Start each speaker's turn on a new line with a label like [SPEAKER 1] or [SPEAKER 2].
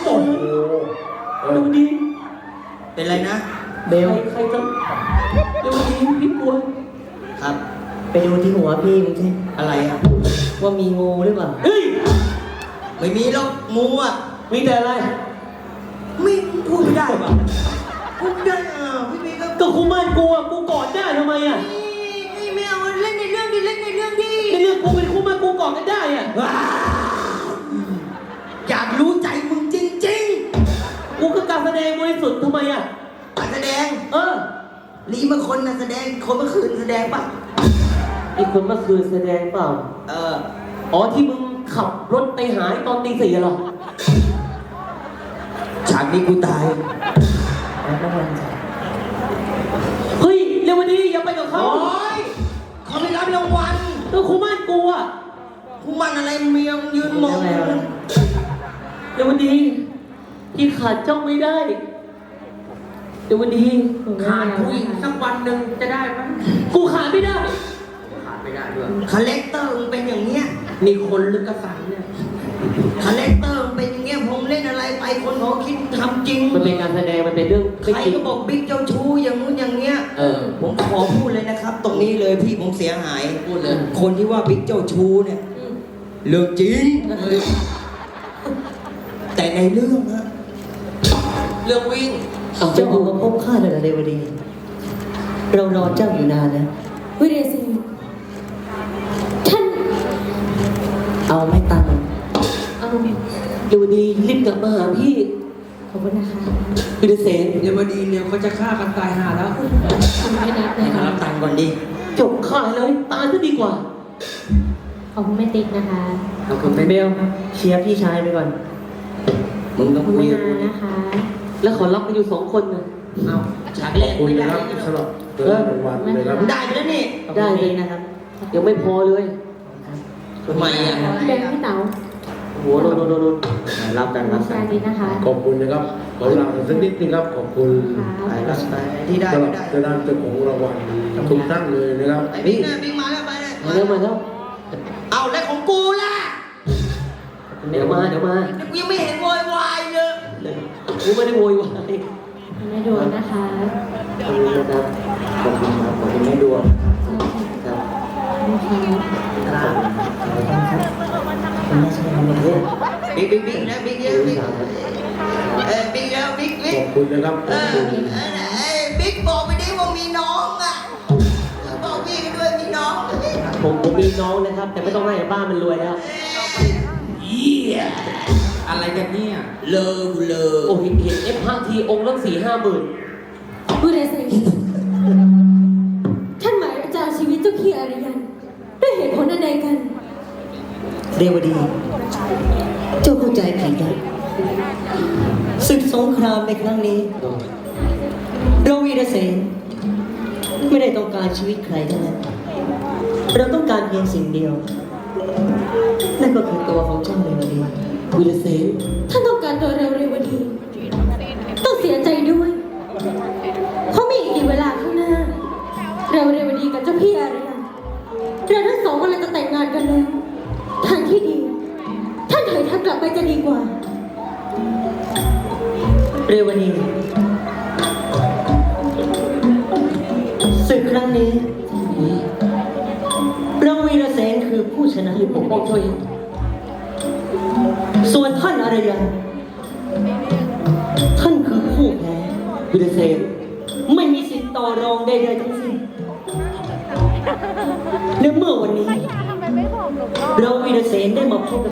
[SPEAKER 1] โอ้โหดูดีเป็นไรนะเบลใครจะดูดีพี่ปวดครับไปดูที่หัวพี่มึงสิอะไรอ่ะว่ามีงูหรือเปล่าเฮ้ยไม่มีหรอกงูอ่ะมีแต่อะไรไม่พูดไม่ได้ป่ะพูดได้อ่ะพี่มีก็คุมันกูอ่ะกูกอดได้ทำไมอ่ะไม่เอาเล่นในเรื่องดิเล่นในเรื่องดิในเรื่องกูเป็นคุมันกูกอดกันได้อ่ะอยากรู้ใจมึงจริงๆกูก็การแสดงบริสุทธิ์ทำไมอ่ะการแสดงนี่เมื่อคนน่ะแสดงคนเมื่อคืนแสดงป่ะไอ้คนเมื่อคืนแสดงเปล่าอ๋อที่มึงขับรถไปหายตอนตี 4เหรอฉากนี้กูตายเฮ้ยเร็ววันนี้อย่าไปกับเขาเขาไม่รับรางวัลตัวคุมันกูอ่ะคุมันอะไรเมียงยืนมองเร็ววันนี้ที่ขาดจ้องไม่ได้เร็ววันนี้ขาดผู้หญิงสักวันหนึ่งจะได้ไหมกูขาดไม่ได้ด้วยคาแรคเตอร์มันเป็นอย่างเงี้ยมีคนลึกกระสันเนี่ยคาแรคเตอร์มันเป็นอย่างเงี้ยผมเล่นอะไรไปคนเขาคิดทำจริงมันเป็นการแสดงมันเป็นเรื่องใครก็บอกบิ๊กเจ้าชู้อย่างนู้นอย่างเงี้ยผมขอพูดเลยนะครับตรงนี้เลยพี่ผมเสียหายพูดเลยคนที่ว่าบิ๊กเจ้าชู้เนี่ยเรื่องจริงแต่ในเรื่องนะเรื่องวิ่งเจ้าของมาพบข้าในเรวดีเรารอเจ้าอยู่นานแล้ว
[SPEAKER 2] วิเดซีท่าน
[SPEAKER 1] เอาไม่ตังเอาเรวดีรีบกลับมาหาพี่
[SPEAKER 2] ขอบคุณนะคะ
[SPEAKER 1] วิเดเซนเรวดีเนี่ยเขาจะฆ่ากันตายหาแล้ว
[SPEAKER 2] ไม่นับเลยค่ะ
[SPEAKER 1] รับตังก่อนดิจบฆ่าเลยตายก็ดีกว่า
[SPEAKER 2] ขอบคุณแม่ติ๊กนะคะ
[SPEAKER 1] ขอบคุณเบลเชียร์พี่ชายไปก่อนมึงต้องคุยกับกู
[SPEAKER 2] นะคะ
[SPEAKER 1] แล้วขอรับกันอยู่2 คนนะเอาฉากแรกไม่ได้
[SPEAKER 3] สำหรับรางวัลเลยครับ
[SPEAKER 1] ได้ไปแล้วนี่ได้เลยนะครับยังไม่พอเลยทำไมอ่ะ
[SPEAKER 2] พี่เบลพี่เต๋า
[SPEAKER 1] โหโดนรับกัน
[SPEAKER 2] นะคะ
[SPEAKER 3] ขอบคุณนะครับขอลาสักนิดนึงครับขอบคุณ
[SPEAKER 1] ที่ได้
[SPEAKER 3] สำหรับเจ้าของรางวัลทุกท่านเลยนะครับ
[SPEAKER 1] บิ๊กมาแล้วไปเลยมาแล้วเอาแล้วของกูล่ะเดี๋ยวมากูยังไม่เห็นโวยวายเลยกูไม่ได้โวยวาย
[SPEAKER 2] แม่ดวงนะคะ
[SPEAKER 1] ขอบคุณนะครับขอบคุณครับขอบคุณแม่ดวงครับครับคุณแม่ช่วยทำอะไรบิ๊กนะบิ๊กเยอะบิ๊กแล้วบิ๊ก
[SPEAKER 3] ขอบคุณนะครับ
[SPEAKER 1] บิ๊กบอกไปดิว่ามีน้องอ่ะบอกพี่กันด้วยมีน้องผมมีน้องนะครับแต่ไม่ต้องให้บ้านมันรวยแล้วอะไรกันเนี่ยเลอโอ้เห็นF5 ทีองค์ละ4-5 หมื่น
[SPEAKER 2] วิเดซีท่านหมายจะเอาชีวิตเจ้าพี่อารยันด้วยเหตุผลอะไรกัน
[SPEAKER 1] เรวดีเจ้าเข้าใจผิดนะศึกสงครามในครั้งนี้เราวีรเสนไม่ได้ต้องการชีวิตใครทั้งนั้นเราต้องการเพียงสิ่งเดียวนั่นก็คือตัวของเจ้าเรวดีวีรเสน
[SPEAKER 2] ท่านต้องการตัวเรวดีต้องเสียใจด้วยเพราะมีอีกเวลาข้างหน้าเรวดีกับเจ้าพี่อารยันเราทั้งสองกำลังจะแต่งงานกันแล้วทางที่ดีท่านถอยทัพกลับไปจะดีกว่า
[SPEAKER 1] เรวดีศึกครั้งนี้เราวีรเสนคือผู้ชนะที่ปกป้องช่วยส่วนท่านอารยันท่านคือผู้แพ้วีรเสนไม่มีสิทธิ์ต่อรองใดๆทั้งสิ้นและเมื่อวันนี้เราวีรเสนได้มาพบ